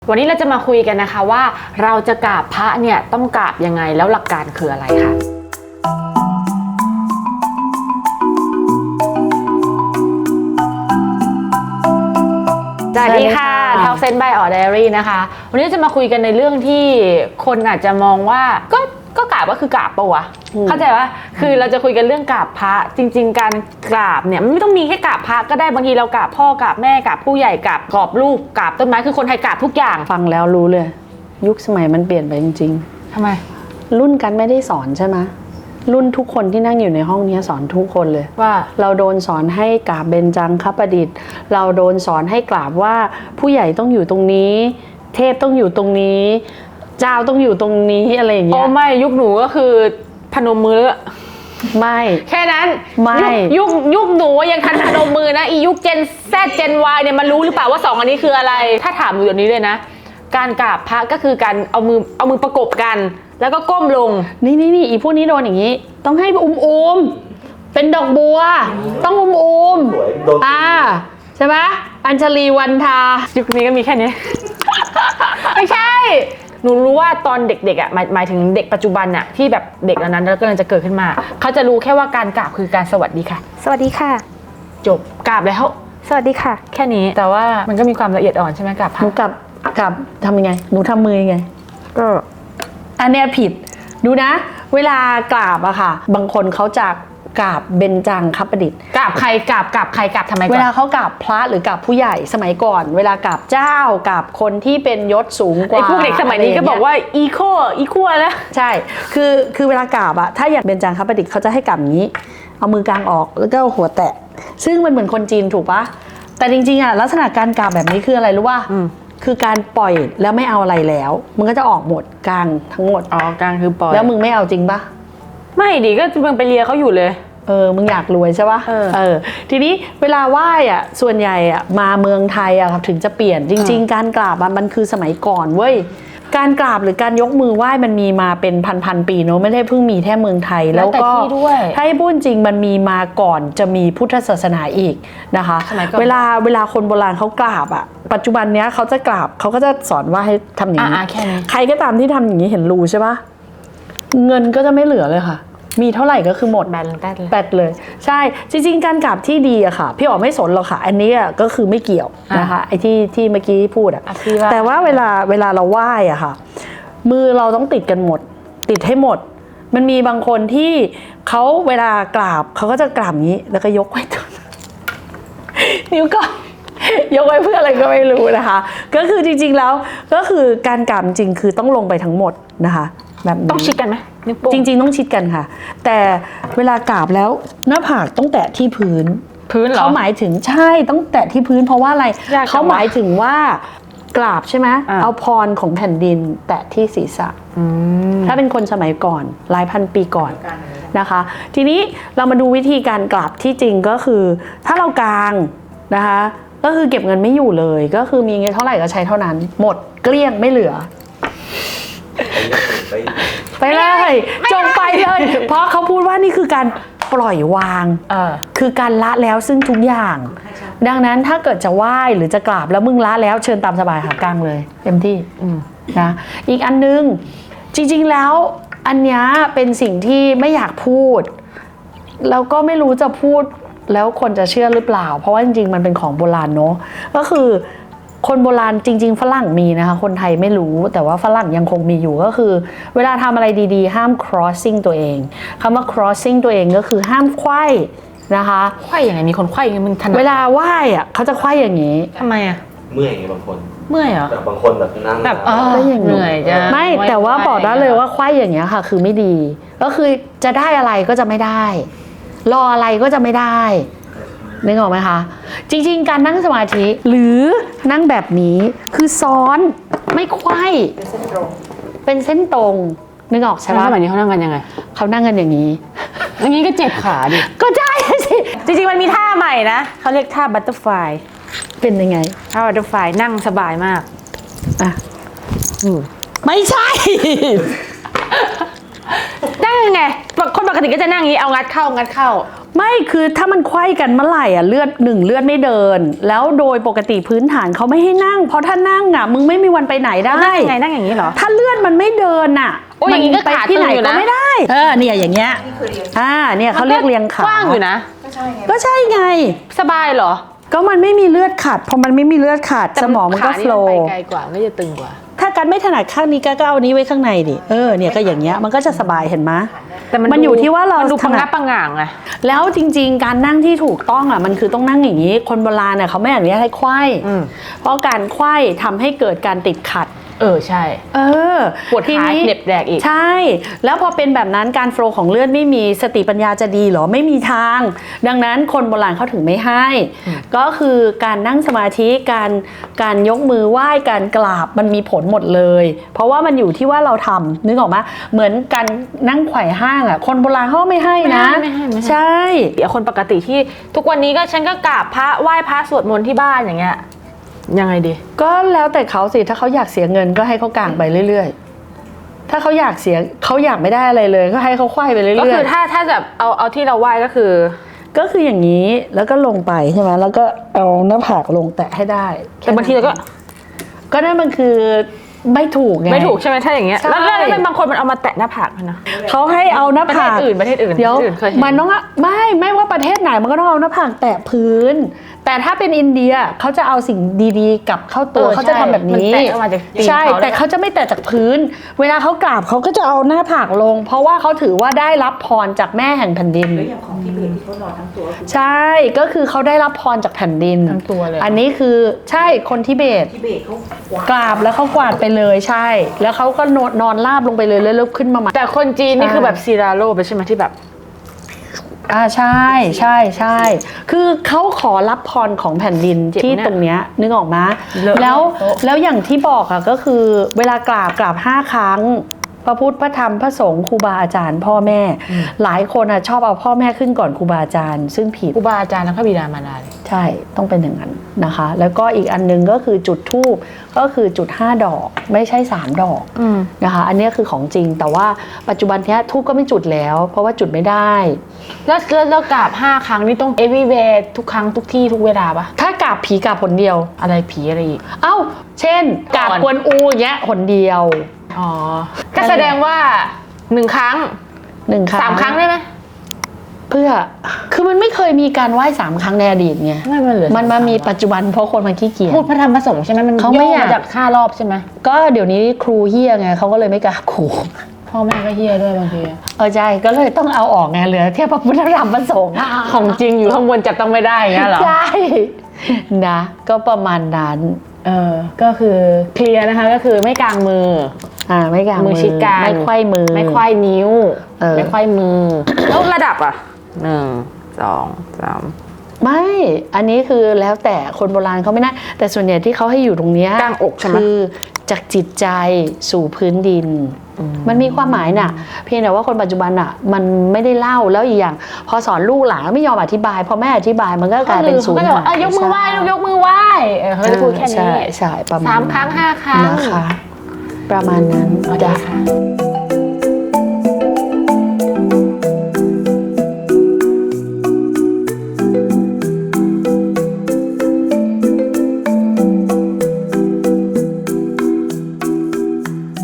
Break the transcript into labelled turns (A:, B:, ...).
A: วันนี้เราจะมาคุยกันนะคะว่าเราจะกราบพระเนี่ยต้องกราบยังไงแล้วหลักการคืออะไรคะสวัสดีค่ะ Talk Sense by Or Diary นะคะวันนี้จะมาคุยกันในเรื่องที่คนอาจจะมองว่าก็กราบก็คือกราบปะวะเข้าใจว่าคือเราจะคุยกันเรื่องกราบพระจริงๆการกราบเนี่ยมันไม่ต้องมีแค่กราบพระก็ได้บางทีเรากราบพ่อกราบแม่กราบผู้ใหญ่กราบกรอบรูปกราบต้นไม้คือคนไทยกราบทุกอย่าง
B: ฟังแล้วรู้เลยยุคสมัยมันเปลี่ยนไปจริง
A: ๆทำไม
B: รุ่นกันไม่ได้สอนใช่ไหมรุ่นทุกคนที่นั่งอยู่ในห้องนี้สอนทุกคนเลย
A: ว่า
B: เราโดนสอนให้กราบเบญจังคประดิษฐ์เราโดนสอนให้กราบว่าผู้ใหญ่ต้องอยู่ตรงนี้เทพต้องอยู่ตรงนี้เจ้าต้องอยู่ตรงนี้อะไรอย่างเงี้ย
A: โอ้ไม่ยุคหนูก็คือพนมมือแล้ว
B: ไม่
A: แค่นั้น
B: ไม่
A: ยุคหนูยังทันพนมมือนะอียุค Gen Z Gen Y เนี่ยมันรู้หรือเปล่าว่า2อันนี้คืออะไรถ้าถามหนูเดี๋ยวนี้เลยนะการกราบพระก็คือการเอามือประกบกันแล้วก็ก้มลง
B: นี่อีพวกนี้โดนอย่างนี้ต้องให้เป็นดอกบัวต้องใช่ไหมอัญชลีวันทา
A: ยุคนี้ก็มีแค่นี้ ไม่ใช่หนูรู้ว่าตอนเด็กๆอ่ะหมายถึงเด็กปัจจุบันอ่ะที่แบบเด็กเหล่านั้นแล้วก็กำลังจะเกิดขึ้นมาเขาจะรู้แค่ว่าการกราบคือการสวัสดีค่ะ
C: สวัสดีค่ะ
A: จบกราบแล้ว
C: สวัสดีค่ะ
A: แค่นี้แต่ว่ามันก็มีความละเอียดอ่อนใช่ไหมกราบ
B: หนูกราบทำยังไงหนูทำมือยังไง
A: ก็
B: อันเนี้ยผิดดูนะเวลากราบอะค่ะบางคนเขาจะกราบเบญจังคประดิษฐ์
A: กราบใครกราบใครกราบทำไม
B: เวลาเขากราบพระหรือกราบผู้ใหญ่สมัยก่อนเวลากราบเจ้ากราบคนที่เป็นยศสูงกว่า
A: ไอ้พวกเด็กสมัยนี้ก็บอกว่าอีโคแล้ว
B: ใช่คือเวลากราบอะถ้าอย่างเบญจังคประดิษฐ์เขาจะให้กราบอย่างนี้เอามือกลางออกแล้วก็หัวแตะซึ่งมันเหมือนคนจีนถูกปะแต่จริงๆอะลักษณะการกราบแบบนี้คืออะไรรู้ป่ะคือการปล่อยแล้วไม่เอาอะไรแล้วมึงก็จะออกหมดกลางทั้งหมด
A: กลางคือปล่อย
B: แล้วมึงไม่เอาจริงปะ
A: ไม่ดิก็มึงไปเลียเขาอยู่เลย
B: มึงอยากรวยใช่ปะทีนี้เวลาไหว้อะส่วนใหญ่อะมาเมืองไทยอะครับถึงจะเปลี่ยนจริงๆการกราบมันคือสมัยก่อนเว้ยการกราบหรือการยกมือไหว้มันมีมาเป็นพันปีเนอะไม่ได้เพิ่งมีแค่เมืองไทยแล้วก็ถ้าให้พูดจริงมันมีมาก่อนจะมีพุทธศาสนาอีกนะคะเวลาคนโบราณเขากราบอะปัจจุบันเนี้ยเขาจะกราบเขาก็จะสอนว่าให้ทำอย่างนี้ใครก็ตามที่ทำอย่างนี้เห็นรูใช่ปะเงินก็จะไม่เหลือเลยค่ะมีเท่าไหร่ก็คือหมดแบตเลยใช่จริงๆการกราบที่ดีอะค่ะพี่อ๋อไม่สนหรอกค่ะอันนี้ก็คือไม่เกี่ยวนะคะไอ้ที่เมื่อกี้พูดอะแต่ว่าเวลาเราไหว้อะค่ะมือเราต้องติดกันหมดติดให้หมดมันมีบางคนที่เขาเวลากราบเขาก็จะกราบนี้แล้วก็ยกไว้ตัวนิ้วก็ยกไว้เพื่ออะไรก็ไม่รู้นะคะก็คือจริงๆแล้วก็คือการกราบจริงคือต้องลงไปทั้งหมดนะคะแบบ
A: ต้องชิดกันไหม
B: จริงๆต้องชิดกันค่ะแต่เวลากราบแล้วหน้าผากต้องแตะที่พื้น
A: เหรอ
B: เขาหมายถึงใช่ต้องแตะที่พื้นเพราะว่าอะไรเขาหมายถึงว่ากราบใช่ไหมเอาพรของแผ่นดินแตะที่ศีรษะถ้าเป็นคนสมัยก่อนหลายพันปีก่อนนะคะทีนี้เรามาดูวิธีการกราบที่จริงก็คือถ้าเรากางนะคะก็คือเก็บเงินไม่อยู่เลยก็คือมีเงินเท่าไหร่ก็ใช้เท่านั้นหมดเกลี้ยงไม่เหลือไปเลยจงไปเลยเพราะเขาพูดว่านี่คือการปล่อยวางคือการละแล้วซึ่งทุกอย่างดังนั้นถ้าเกิดจะไหว้หรือจะกราบแล้วมึงละแล้วเชิญตามสบายค่ะกลางเลยเต็มที่นะอีกอันนึงจริงๆแล้วอันนี้เป็นสิ่งที่ไม่อยากพูดแล้วก็ไม่รู้จะพูดแล้วคนจะเชื่อหรือเปล่าเพราะว่าจริงๆมันเป็นของโบราณเนอะก็คือคนโบราณจริงๆฝรั่งมีนะคะคนไทยไม่รู้แต่ว่าฝรั่งยังคงมีอยู่ก็คือเวลาทำอะไรดีๆห้าม crossing ตัวเองคำว่า crossing ตัวเองก็คือห้ามไขว้นะคะ
A: ไขว้ยังไงมีคนไขว้ยังไงมึงถนัด
B: เวลาไหว้อะเขาจะไขว้อย่างนี้
A: ทำไมอะ
D: เมื่อยไงบางคน
A: เมื่อยเหรอ
D: แต่บางคนแบบนั่ง
A: แบบ
B: เหนื่อยจ้ะไม่แต่ว่าบอกได้เลยว่าไขว้อย่างเงี้ยค่ะคือไม่ดีก็คือจะได้อะไรก็จะไม่ได้รออะไรก็จะไม่ได้นึกออกไหมคะจริงๆการนั่งสมาธิหรือนั่งแบบนี้คือซ้อนไม่ไขว้เป็นเส้นตรงนึกออกใช่ไหม
A: สมัยนี้เขานั่งกันยังไง
B: เขานั่งกันอย่างนี้
A: อย่างนี้ก็เจ็บขาดิ
B: ก็ใช่สิ
A: จริงๆมันมีท่าใหม่นะเขาเรียกท่าบัตเตอร์ฟลาย
B: เป็นยังไง
A: ท่าบัตเตอร์ฟลายนั่งสบายมาก
B: ไม่ใช่
A: นั่งไงคนปกติก็จะนั่งอย่างนี้เอางัดเข้า
B: ไม่คือถ้ามันไขว้กันเมื่อไหร่อ่ะเลือดไม่เดิน แล้วโดยปกติพื้นฐานเขาไม่ให้นั่ง เพราะถ้านั่งอ่ะมึงไม่มีวันไปไหนได้
A: นั่งยังไงนั่งอย่างนี้เหรอ
B: ถ้าเลือดมันไม่เดินอ่ะ
A: โอ้ยอย่างนี้ก็
B: ไป
A: ขา
B: ที่ไหน
A: ตึงอยู่
B: ก็
A: นะ
B: ไม่ได้เนี่ยอย่างเงี้ยเนี่ยเขาเรียกเรียงขาก
A: ว้างอยู่นะ
B: ก็ใช่ไง
A: สบายเหรอ
B: ก็มันไม่มีเลือดขัดพอมันไม่มีเลือดขัดสมองมันก็
A: ขา
B: โฟล
A: ไป
B: ว์
A: ไกลกว่าไม่จะตึงกว่า
B: ถ้ากันไม่ถนัดข้างนี้ก็เอานี้ไว้ข้างในดิเนี่ยก็อย่างเงี้ยมันก็จะสบายเห็นไหม
A: แต่
B: มันอยู่ที่ว่าเรา
A: ดู
B: ถ
A: พัง
B: นั
A: งั
B: ด
A: บปังง่างอะ
B: แล้วจริงๆการนั่งที่ถูกต้องอ่ะมันคือต้องนั่งอย่างนี้คนโบราณเนี่ยเขาไม่อนุญาตให้ไขว้เพราะการไขว้ทำให้เกิดการติดขัด
A: ใช่ ปวด
B: ที
A: ขา
B: นี้
A: เหน็บแดกอีก
B: ใช่ แล้วพอเป็นแบบนั้นการโฟลว์ของเลือดไม่มีสติปัญญาจะดีเหรอไม่มีทาง ดังนั้นคนโบราณเขาถึงไม่ให้ ก็คือการนั่งสมาธิการยกมือไหว้การกราบมันมีผลหมดเลย เพราะว่ามันอยู่ที่ว่าเราทำนึกออกไหมเหมือนการนั่งไขว่ห้างอ่ะคนโบราณเขาไม่ให้นะ
A: ไม่ให้
B: ใช่
A: เดี๋ยวคนปกติที่ทุกวันนี้ก็ฉันก็กราบพระไหว้พระสวดมนต์ที่บ้านอย่างเงี้ยยังไงดี
B: ก็แล้วแต่เขาสิถ้าเขาอยากเสียเงินก็ให้เขากางไปเรื่อยๆถ้าเขาอยากไม่ได้อะไรเลยก็ให้เขาไขว้ไปเรื่อยๆ
A: ก็คือถ้าแบบเอาที่เราไหว้ก็คือ
B: อย่างนี้แล้วก็ลงไปใช่ไหมแล้วก็เอาหน้าผากลงแตะให้ได้
A: แต่บางทีเราก็
B: นั่นมันคือไม่ถูกไง
A: ไม่ถูกใช่ไหมถ้าอย่างเงี้ย
B: ใช่
A: แล้วบางคนมันเอามาแตะหน้าผากนะ
B: เขาให้เอาหน้าผาก
A: ประเทศอื่น
B: เดี๋ยว
A: เคยเห็น
B: มันต้องไม่ว่าประเทศไหนมันก็ต้องเอาหน้าผากแตะพื้น แต่ถ้าเป็นอินเดียเขาจะเอาสิ่งดีๆกลับเข้าตัวเขาจะทำแบบนี้
A: มันแตะออกมาจากตีน
B: ใช่
A: เขา
B: แต่เขาจะไม่แตะจากพื้น เวลาเขากราบเขาก็จะเอาหน้าผากลง เพราะว่าเขาถือว่าได้รับพรจากแม่แห่งแผ่นดิน
C: แล้วอย่างของทิเบตที่เขานอนทั้งตัว
B: ใช่ก็คือเขาได้รับพรจากแผ่นดิน
A: ทั้งตัวเลย
B: อันนี้คือใช่คนทิเบต
C: ทิเบตเขากวาด
B: กราบแล้วเขากวาดไปเลยใช่ แล้วเขาก็นอนราบลงไปเลยแล้วลุกขึ้นมาใหม่
A: แต่คนจีนนี่คือแบบซีราโลไปใช่ไหมที่แบบ
B: ใช่คือเขาขอรับพรของแผ่นดิน
A: เจ็บ
B: ที่
A: เนี่ย
B: ตรงเนี้ยนึกออกไหม
A: เลอะ
B: แล้วอย่างที่บอกอะก็คือเวลากราบ5 ครั้ง พระพุทธพระธรรมพระสงฆ์ครูบาอาจารย์พ่อแม่ หลายคนอะชอบเอาพ่อแม่ขึ้นก่อนครูบาอาจารย์ ซึ่งผิด
A: ครูบาอาจารย์และพระบิดามารดาเลย
B: ใช่ต้องเป็นอย่างนั้นนะคะ แล้วก็อีกอันนึงก็คือจุดธูปก็คือจุด5 ดอกไม่ใช่3 ดอกนะคะอันนี้คือของจริงแต่ว่าปัจจุบันเนี้ยธูปก็ไม่จุดแล้ว เพราะว่าจุดไม่ได้
A: แล้วกราบ5 ครั้งนี่ต้อง everywhere ทุกครั้งทุกที่ทุกเวลาปะ
B: ถ้ากราบผีกราบหนเดียว
A: อะไรผีอะไรอีก
B: เอ้าเช่นกราบกวนอูอย่างเงี้ยหนเดียว
A: อ๋อก็แสดงว่า1 ครั้ง
B: 1 ครั้ง
A: 3 ครั้งได้ไหม
B: เพื่อคือมันไม่เคยมีการไหว้3 ครั้งในอดีตไง
A: ไม่มันเหลือ
B: มันมามีปัจจุบันเพราะคนมันขี้เกียจ
A: พูดพระธรรมพระสงฆ์ใช่ไหมมัน
B: เขาไม่อยาก
A: มาจาก5 รอบใช่ไหม
B: ก็เดี๋ยวนี้ครูเฮี้ยไงเขาก็เลยไม่กราบครู
A: พ่อแม่ก็เฮี้ยด้วยบางที
B: ใช่ก็เลยต้องเอาออกไงเหลือแค่พระพุทธธรรมพระสงฆ์
A: ของจริงอยู่ข้างบนจับต้องไม่ได้อย่างเงี้ยเหรอ
B: ใช่นะก็ประมาณนั้น
A: ก็คือเคลียร์นะคะก็คือไม่กางมือ
B: ไม่กาง
A: มือชิดกัน
B: ไม่ไขว้มือ
A: ไม่ไขว้นิ้ว
B: เออ
A: ไม่ไขว้มือ แล้วระดับอ่ะ1 2 3
B: ไม่อันนี้คือแล้วแต่คนโบราณเขาไม่ได้แต่ส่วนใหญ่ที่เขาให้อยู่ตรงเนี้ย
A: กลางอกใช่ไหม
B: คือจากจิตใจสู่พื้นดิน มันมีความหมายน่ะ เพียงแต่ว่าคนปัจจุบันอ่ะ มันไม่ได้เล่าแล้วอีกอย่าง พอสอนลูกหลานไม่ยอมอธิบายพอแม่อธิบายมันก็กลายเป็นศูนย์
A: ก็จะบอกยกมือไหว้ลูกยกมือไหว้เขาจะพูดแค่นี้
B: ใช่ประมาณ
A: 3 ครั้ง 5 ครั้ง
B: นะคะ ประมาณนั้น
A: โอเคค่ะ